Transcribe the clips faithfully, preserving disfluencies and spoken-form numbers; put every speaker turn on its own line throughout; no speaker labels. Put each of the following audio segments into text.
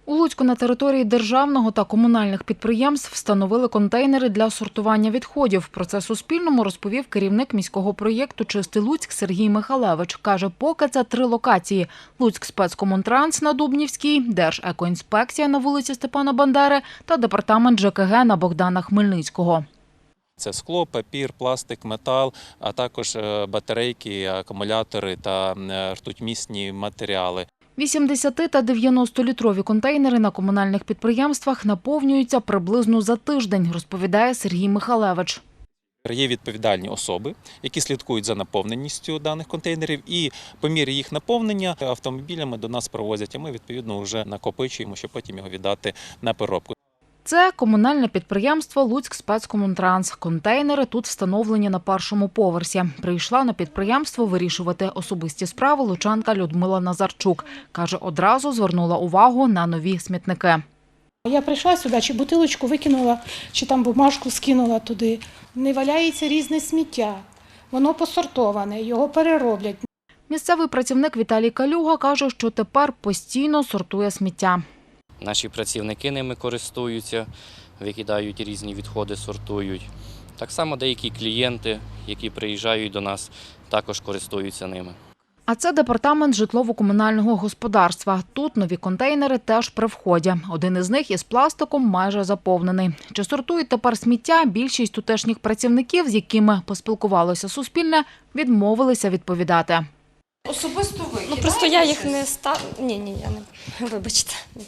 У Луцьку на території державного та комунальних підприємств встановили контейнери для сортування відходів. Про це Суспільному розповів керівник міського проєкту «Чистий Луцьк» Сергій Михалевич. Каже, поки це три локації – Луцькспецкомунтранс на Дубнівській, Держекоінспекція на вулиці Степана Бандери та департамент ЖКГ на Богдана Хмельницького.
Це скло, папір, пластик, метал, а також батарейки, акумулятори та ртутьмісні матеріали.
вісімдесят- та дев'яностолітрові контейнери на комунальних підприємствах наповнюються приблизно за тиждень, розповідає Сергій Михалевич.
Є відповідальні особи, які слідкують за наповненістю даних контейнерів, і по мірі їх наповнення автомобілями до нас привозять, а ми відповідно вже накопичуємо, щоб потім його віддати на переробку.
Це комунальне підприємство «Луцькспецкомунтранс». Контейнери тут встановлені на першому поверсі. Прийшла на підприємство вирішувати особисті справи лучанка Людмила Назарчук. Каже, одразу звернула увагу на нові смітники.
Я прийшла сюди, чи бутилочку викинула, чи там бумажку скинула туди. Не валяється різне сміття. Воно посортоване, його перероблять.
Місцевий працівник Віталій Калюга каже, що тепер постійно сортує сміття.
Наші працівники ними користуються, викидають різні відходи, сортують. Так само деякі клієнти, які приїжджають до нас, також користуються ними.
А це департамент житлово-комунального господарства. Тут нові контейнери теж при вході. Один із них із пластиком майже заповнений. Чи сортують тепер сміття? Більшість тутешніх працівників, з якими поспілкувалося Суспільне, відмовилися відповідати.
Особисто ви?
Ну, просто я їх не став... Ні, ні, я не... Вибачте.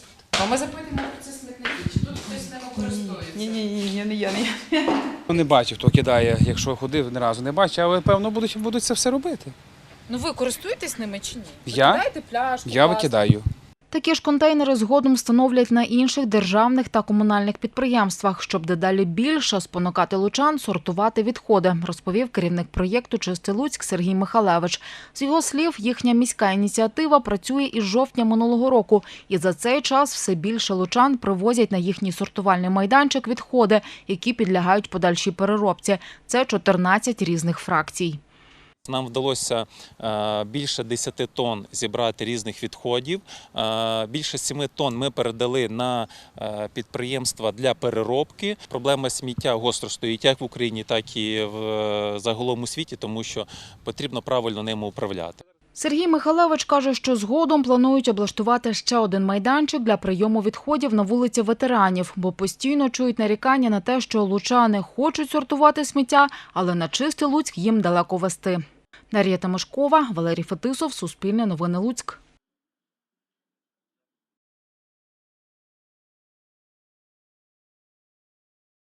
А ми запитуємо про ці смітники, чи тут хтось ними користується?
Ні, ні, ні, ні, не я, не я. Не бачу, хто кидає, якщо ходив, ні разу не бачу, але, певно, будуть, будуть це все робити.
Ну ви користуєтесь ними чи ні?
Я?
Викидаєте пляшку,
Я
пластик?
викидаю.
Такі ж контейнери згодом встановлять на інших державних та комунальних підприємствах, щоб дедалі більше спонукати лучан сортувати відходи, розповів керівник проєкту «Чистий Луцьк» Сергій Михалевич. З його слів, їхня міська ініціатива працює із жовтня минулого року, і за цей час все більше лучан привозять на їхній сортувальний майданчик відходи, які підлягають подальшій переробці. Це чотирнадцять різних фракцій.
Нам вдалося більше десяти тонн зібрати різних відходів. Більше семи тонн ми передали на підприємства для переробки. Проблема сміття гостро стоїть як в Україні, так і в загалом у світі, тому що потрібно правильно ними управляти.
Сергій Михалевич каже, що згодом планують облаштувати ще один майданчик для прийому відходів на вулиці Ветеранів, бо постійно чують нарікання на те, що лучани хочуть сортувати сміття, але на Чистий Луцьк їм далеко вести. Дар'я Тимошкова, Валерій Фетисов, Суспільне новини Луцьк.